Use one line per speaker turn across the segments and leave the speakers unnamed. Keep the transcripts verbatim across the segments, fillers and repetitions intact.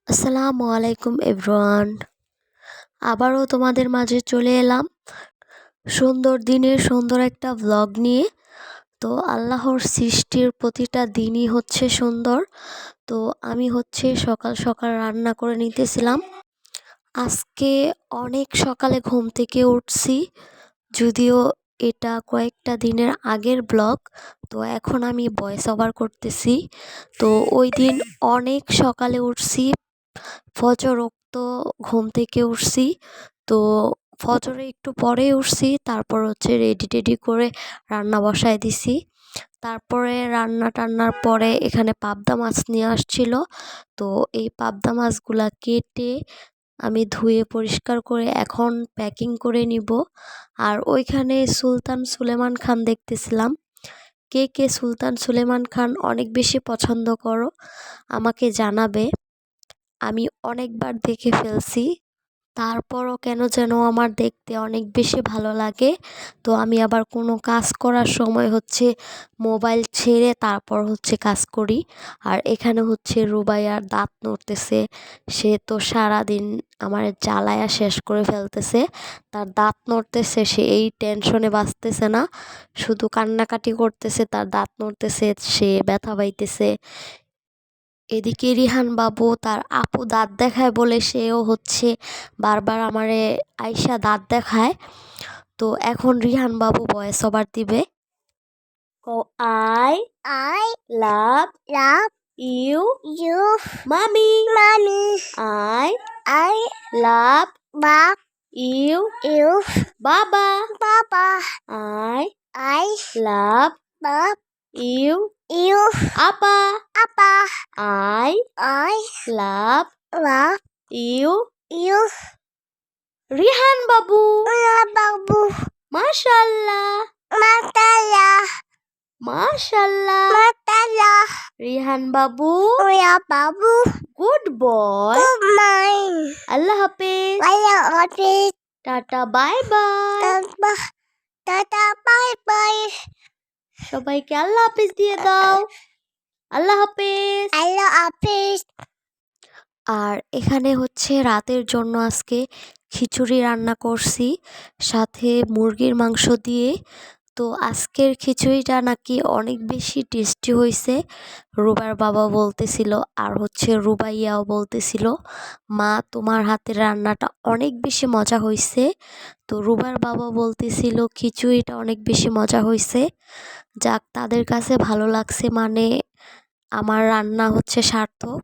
আসসালামু আলাইকুম এভরিওয়ান। আবারও তোমাদের মাঝে চলে এলাম সুন্দর দিনের সুন্দর একটা ব্লগ নিয়ে। তো আল্লাহর সৃষ্টির প্রতিটা দিনই হচ্ছে সুন্দর। তো আমি হচ্ছে সকাল সকাল রান্না করে নিতেছিলাম। আজকে অনেক সকালে ঘুম থেকে উঠছি, যদিও এটা কয়েকটা দিনের আগের ব্লগ। তো এখন আমি ভয়েস ওভার করতেছি। তো ওই দিন অনেক সকালে উঠছি, ফজর ওক্ত ঘুম থেকে উঠছি। তো ফজরে একটু পরে উঠছি, তারপর হচ্ছে রেডি টেডি করে রান্না বসায় দিছি। তারপরে রান্না টান্নার পরে এখানে পাবদা মাছ নিয়ে আসছিল। তো এই পাবদা মাছগুলা কেটে আমি ধুয়ে পরিষ্কার করে এখন প্যাকিং করে নিব। আর ওইখানে সুলতান সুলেমান খান দেখতেছিলাম। কে কে সুলতান সুলেমান খান অনেক বেশি পছন্দ করো আমাকে জানাবে। আমি অনেকবার দেখে ফেলছি, তারপরও কেন যেন আমার দেখতে অনেক বেশি ভালো লাগে। তো আমি আবার কোনো কাজ করার সময় হচ্ছে মোবাইল ছেড়ে তারপর হচ্ছে কাজ করি। আর এখানে হচ্ছে রুবাইয়ার দাঁত নড়তেছে, সে তো সারাদিন আমার জ্বালায়া শেষ করে ফেলতেছে। তার দাঁত নড়তেছে, সে এই টেনশনে বাঁচতেছে না, শুধু কান্নাকাটি করতেছে, তার দাঁত নড়তেছে, সে ব্যথা পাইতেছে। এদিকে রিহান বাবু তার আপু দাঁত দেখায় বলে সেও হচ্ছে বারবার আমারে আইসা দাঁত দেখায়। তো এখন রিহান বাবু ভয়েস ওভার দিবে। ও I
I
love
love
you
you,
mommy.
mommy.
I
I
love
love
you
you,
baba.
Papa.
I
I
love
love
you
you,
apa.
Papa.
I
I
love
love
you
you,
Rihan babu.
Babu.
মাশাআল্লাহ
Matala,
মাশাআল্লাহ।
Matala.
Rihan babu
Oya Babu.
Good boy.
Good morning.
আল্লাহ হাফেজ,
Waya office.
Tata bye bye.
Tata, Tata, bye bye.
সবাইকে আল্লাহ হাফেজ দিয়ে দাও। আল্লাহ হাফেজ।
Hello office.
আর এখানে হচ্ছে রাতের জন্য আজকে খিচুড়ি রান্না করছি, সাথে মুরগির মাংস দিয়ে। তো আজকের খিচুড়িটা নাকি অনেক বেশি টেস্টি হয়েছে, রুবার বাবা বলতেছিল, আর হচ্ছে রুবাইয়াও বলতেছিল, মা তোমার হাতের রান্নাটা অনেক বেশি মজা হয়েছে। তো রুবার বাবা বলতেছিল খিচুড়িটা অনেক বেশি মজা হয়েছে। যাক, তাদের কাছে ভালো লাগছে মানে আমার রান্না হচ্ছে সার্থক।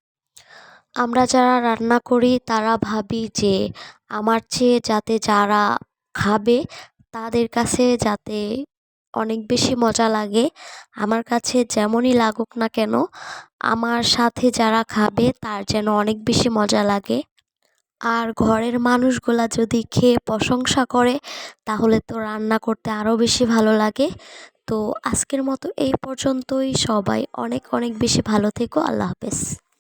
আমরা যারা রান্না করি তারা ভাবি যে আমার চেয়ে যাতে যারা খাবে তাদের কাছে যাতে অনেক বেশি মজা লাগে। আমার কাছে যেমনই লাগুক না কেন, আমার সাথে যারা খাবে তার যেন অনেক বেশি মজা লাগে। আর ঘরের মানুষগুলা যদি খেয়ে প্রশংসা করে তাহলে তো রান্না করতে আরও বেশি ভালো লাগে। তো আজকের মতো এই পর্যন্তই। সবাই অনেক অনেক বেশি ভালো থেকো। আল্লাহ হাফেজ।